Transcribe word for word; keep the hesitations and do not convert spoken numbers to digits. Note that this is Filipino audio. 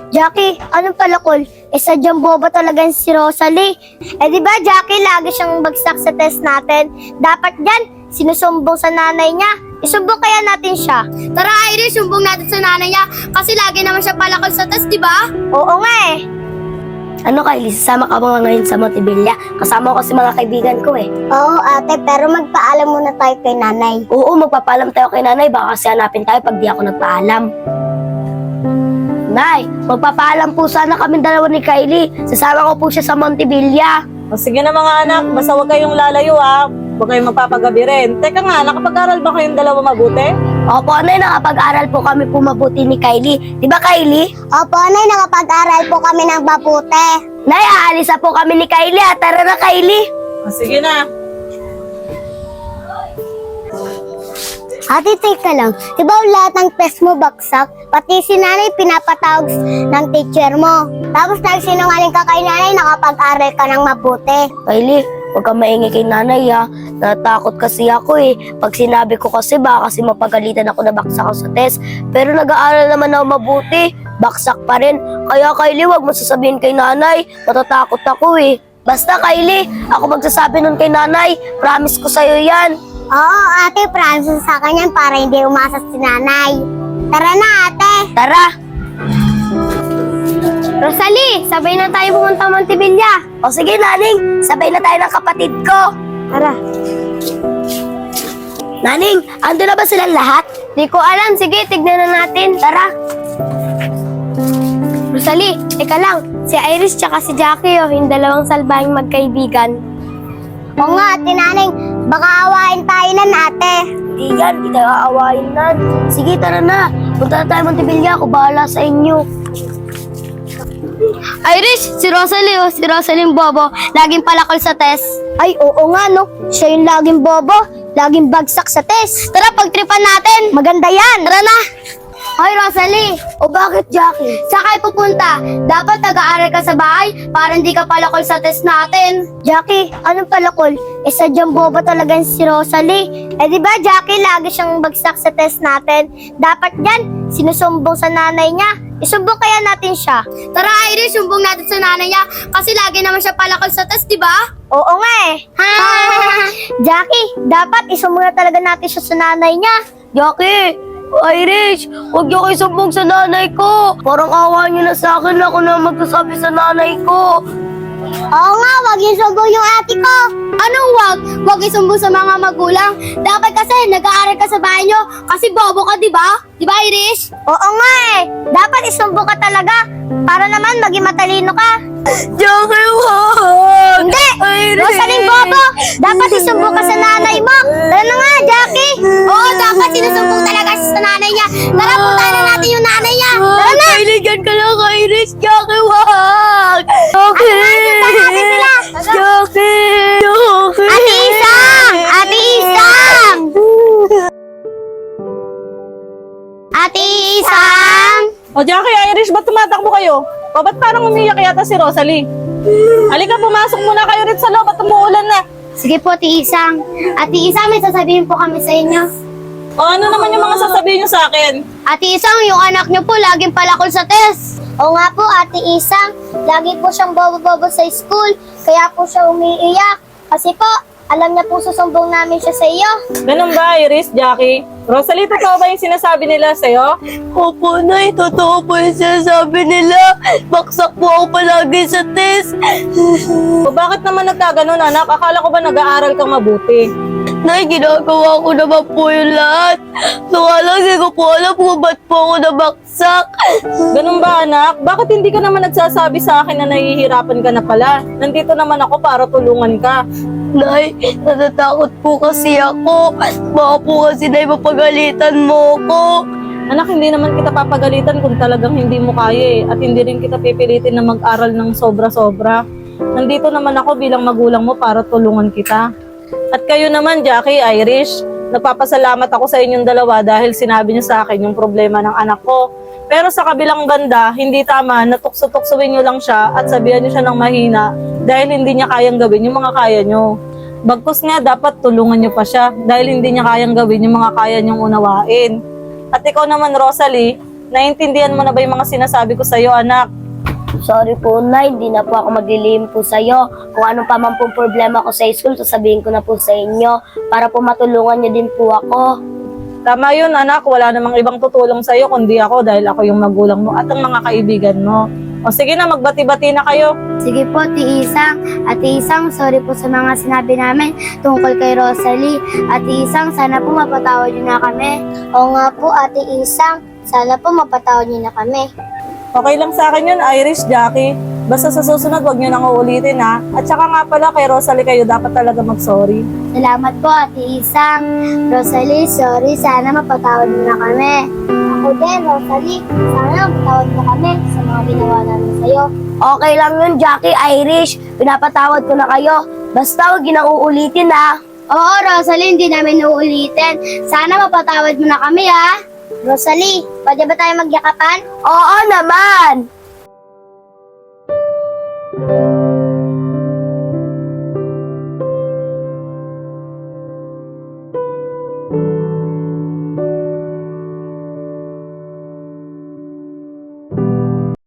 Jackie, anong palakol? Eh, sadyang boba talaga si Rosalie. Eh, di ba, Jackie, lagi siyang bagsak sa test natin. Dapat yan, sinusumbong sa nanay niya. Isumbong kaya natin siya. Tara, Iris, sumbong natin sa nanay niya kasi lagi naman siya palakol sa test, di ba? Oo nga eh. Ano Kylie, sasama ka ba ngayon sa Montevilla? Kasama ko kasi mga kaibigan ko eh. Oo, ate, pero magpaalam muna tayo kay nanay. Oo, magpapaalam tayo kay nanay. Baka kasi hanapin tayo pag di ako nagpaalam. Nay, magpapaalam po sana kami dalawa ni Kylie. Sasama ko po siya sa Montevilla. O sige na mga anak, basta huwag kayong lalayo ha. Huwag kayong magpapagabi rin. Teka nga, nakapag-aral ba kayong dalawa mabuti? Opo, Nay, nakapag-aral po kami po mabuti ni Kylie. Di ba, Kylie? Opo, nay, nakapag-aral po kami ng mabuti. Nay, aalis na po kami ni Kylie. Ha? Tara na, Kylie. O sige na. Ate, teka lang. Di ba lahat ng test mo baksak? Pati si nanay pinapatawag ng teacher mo. Tapos nagsinungaling ka kay nanay, nakapag-aral ka ng mabuti. Kylie, huwag kang maingay kay nanay ha. Natakot kasi ako eh. Pag sinabi ko kasi baka kasi mapagalitan ako na baksak ako sa test. Pero nag-aaral naman ako mabuti. Baksak pa rin. Kaya Kylie, huwag mo sasabihin kay nanay. Matatakot ako eh. Basta Kylie, ako magsasabi nun kay nanay. Promise ko sa'yo yan. Oo, ate, promise sa akin yan para hindi umasa si nanay. Tara na, ate. Tara. Rosalie, sabay na tayo pumunta Montevilla. O sige Naning, sabay na tayo ng kapatid ko. Tara. Naning, ando na ba silang lahat? Di ko alam. Sige, tignan na natin. Tara. Rosalie, eka lang. Si Iris tsaka si Jackie, oh, yung dalawang salbahing magkaibigan. Oo nga, ate nanay. Baka awain tayo nan, ate. Hindi yan, hindi tayo aawain nan. Sige, tara na. Punta na tayo Montevilla, ako bahala sa inyo. Iris, si Rosalie, oh, si Rosalie yung bobo. Laging palakol sa test. Ay, oo nga, no. Siya yung laging bobo. Laging bagsak sa test. Tara, pagtripan natin. Maganda yan. Tara na. Hoy, Rosalie. O bakit, Jackie? Saan kayo pupunta? Dapat nag-aaral ka sa bahay para hindi ka palakol sa test natin. Jackie, anong palakol? Eh, sadyang boba talaga si Rosalie. Eh, di ba, Jackie, lagi siyang bagsak sa test natin. Dapat yan, sinusumbong sa nanay niya. Isumbong kaya natin siya. Tara, Iris, sumbong natin sa nanay niya kasi lagi naman siya palakol sa test, di ba? Oo nga eh. Ha! Jackie, dapat isumbong na talaga natin siya sa nanay niya. Jackie! Irish, huwag niyo kayo sumbong sa nanay ko. Parang awa niyo na sa akin, ako na magsasabi sa nanay ko. Oo nga, wag yung sumbong yung ate ko. Anong wag? Wag isumbong sa mga magulang. Dapat kasi nag-aaral ka sa bahay niyo kasi bobo ka, di ba? Di ba, Iris? Oo nga eh. Dapat isumbong ka talaga para naman maging matalino ka. Jackie, wag! Hindi! Irish! Rosalie Bobo! Dapat isumbong ka sa nanay mo. Tara na nga, Jackie. Oo, dapat sinusumbong talaga siya sa nanay niya. Tara, puntahan na natin yung nanay niya. Tara na! Kailigan ka lang, Irish! Jackie, wag! Jackie! Jackie! Jackie! Ate Isang! Ate Isang! Ate Isang! O Jackie, Irish, ba't tumatakbo kayo? O ba't parang umiyak yata si Rosalie? Halika, pumasok muna kayo rin sa loob at umuulan na. Sige po, Ate Isang. Ate Isang, may sasabihin po kami sa inyo. O ano naman yung mga sasabihin niyo sa akin? Ate Isang, yung anak niyo po laging palakol sa test. Oo nga po, Ate Isang. Lagi po siyang bobo-bobo sa school. Kaya po siya umiiyak. Kasi po, alam niya po susumbong namin siya sa iyo. Ganun ba, Iris, Jackie? Rosalie, totoo ba yung sinasabi nila sa'yo? Opo, Nay. Totoo po yung sinasabi nila. Baksak po ako palagi sa test. O bakit naman nagkaganon, anak? Akala ko ba nag-aaral kang mabuti? Nay, ginagawa ko naman po yung lahat. Nakalang hindi ko po alam kung ba't po ako nabaksak. Ganun ba, anak? Bakit hindi ka naman nagsasabi sa akin na nahihirapan ka na pala? Nandito naman ako para tulungan ka. Nay, natatakot po kasi ako. Baka po kasi, Nay, mapagalitan mo ko. Anak, hindi naman kita papagalitan kung talagang hindi mo kaya eh. At hindi rin kita pipilitin na mag-aral ng sobra-sobra. Nandito naman ako bilang magulang mo para tulungan kita. At kayo naman, Jackie, Irish, nagpapasalamat ako sa inyong dalawa dahil sinabi niyo sa akin yung problema ng anak ko. Pero sa kabilang banda, hindi tama na tukso-tuksuin niyo lang siya at sabihan niyo siya ng mahina dahil hindi niya kayang gawin yung mga kaya niyo. Bagkus nga, dapat tulungan niyo pa siya dahil hindi niya kayang gawin yung mga kaya niyong unawain. At ikaw naman, Rosalie, Naintindihan mo na ba yung mga sinasabi ko sa'yo, anak? Sorry po, Nay. Hindi na po ako maglilihim po sa'yo. Kung anong pa man pong problema ko sa school, sasabihin ko na po sa inyo para po matulungan niyo din po ako. Tama yun, anak. Wala namang ibang tutulong sa'yo kundi ako dahil ako yung magulang mo at ang mga kaibigan mo. O sige na, magbati-bati na kayo. Sige po, Ate Isang. Ate Isang, sorry po sa mga sinabi namin tungkol kay Rosalie. Ate Isang, sana po mapatawad niyo na kami. Oo nga po, Ate Isang. Sana po mapatawad niyo na kami. Okay lang sa akin yun, Irish, Jackie. Basta sa susunod, wag nyo nang uulitin, ha? At saka nga pala, kay Rosalie kayo dapat talaga mag-sorry. Salamat po, Ate Isang. Rosalie, sorry. Sana mapatawad mo na kami. Ako din, Rosalie. Sana mapatawad mo kami sa mga ginawa namin sa'yo. Okay lang yun, Jackie, Irish. Pinapatawad ko na kayo. Basta huwag yun ang uulitin, ha? Oo, Rosalie, hindi namin uulitin. Sana mapatawad mo na kami, ha? Rosalie, pwede ba tayo magyakapan? Oo naman!